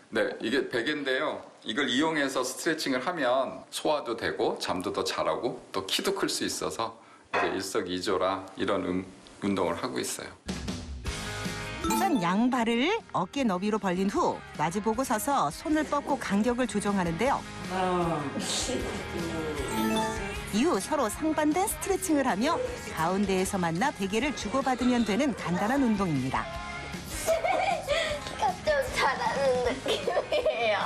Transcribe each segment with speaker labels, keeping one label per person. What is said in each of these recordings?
Speaker 1: 네, 이게 베개인데요. 이걸 이용해서 스트레칭을 하면 소화도 되고 잠도 더 잘하고 또 키도 클 수 있어서 이제 일석이조라 이런 운동을 하고 있어요.
Speaker 2: 우선 양발을 어깨 너비로 벌린 후 마주보고 서서 손을 뻗고 간격을 조정하는데요. 이후 서로 상반된 스트레칭을 하며 가운데에서 만나 베개를 주고받으면 되는 간단한 운동입니다.
Speaker 3: 좀 잘하는 느낌이에요.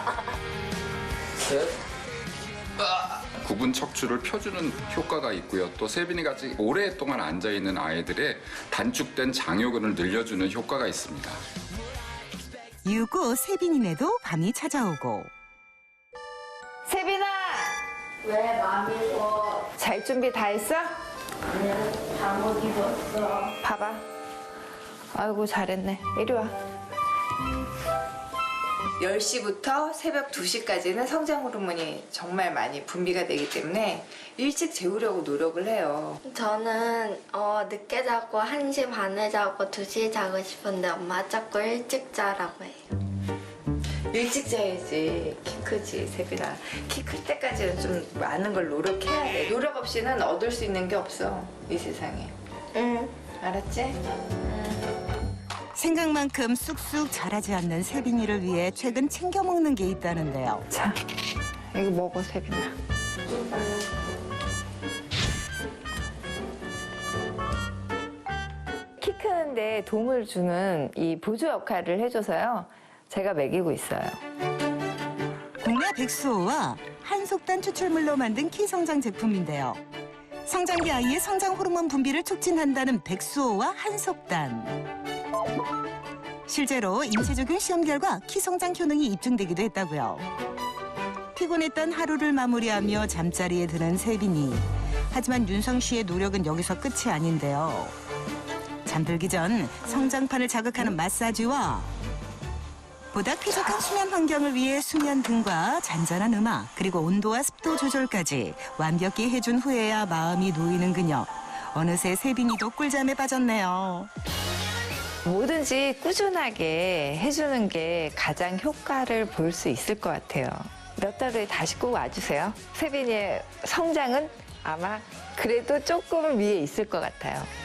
Speaker 1: 구분 척추를 펴주는 효과가 있고요. 또 세빈이 같이 오랫동안 앉아있는 아이들의 단축된 장요근을 늘려주는 효과가 있습니다.
Speaker 2: 이후 후 세빈이네도 밤이 찾아오고
Speaker 4: 세빈아!
Speaker 3: 왜 맘이고?
Speaker 4: 잘 준비 다 했어?
Speaker 3: 아니야, 잠못 입었어.
Speaker 4: 봐봐. 아이고 잘했네. 이리 와. 10시부터 새벽 2시까지는 성장 호르몬이 정말 많이 분비가 되기 때문에 일찍 재우려고 노력을 해요.
Speaker 3: 저는 늦게 자고 1시 반에 자고 2시에 자고 싶은데 엄마 자꾸 일찍 자라고 해요.
Speaker 4: 일찍 자야지. 키 크지, 세빈아. 키 클 때까지는 좀 많은 걸 노력해야 돼. 노력 없이는 얻을 수 있는 게 없어, 이 세상에.
Speaker 3: 응.
Speaker 4: 알았지?
Speaker 2: 생각만큼 쑥쑥 자라지 않는 세빈이를 위해 최근 챙겨 먹는 게 있다는데요.
Speaker 4: 자, 이거 먹어, 세빈아. 키 크는데 도움을 주는 이 보조 역할을 해줘서요. 제가 먹이고 있어요.
Speaker 2: 국내 백수호와 한속단 추출물로 만든 키 성장 제품인데요. 성장기 아이의 성장 호르몬 분비를 촉진한다는 백수호와 한속단. 실제로 인체 적용 시험 결과 키 성장 효능이 입증되기도 했다고요. 피곤했던 하루를 마무리하며 잠자리에 드는 세빈이. 하지만 윤성 씨의 노력은 여기서 끝이 아닌데요. 잠들기 전 성장판을 자극하는 마사지와 보다 쾌적한 수면 환경을 위해 수면 등과 잔잔한 음악 그리고 온도와 습도 조절까지 완벽히 해준 후에야 마음이 놓이는 그녀. 어느새 세빈이도 꿀잠에 빠졌네요.
Speaker 4: 뭐든지 꾸준하게 해주는 게 가장 효과를 볼 수 있을 것 같아요. 몇 달 후에 다시 꼭 와주세요. 세빈이의 성장은 아마 그래도 조금 위에 있을 것 같아요.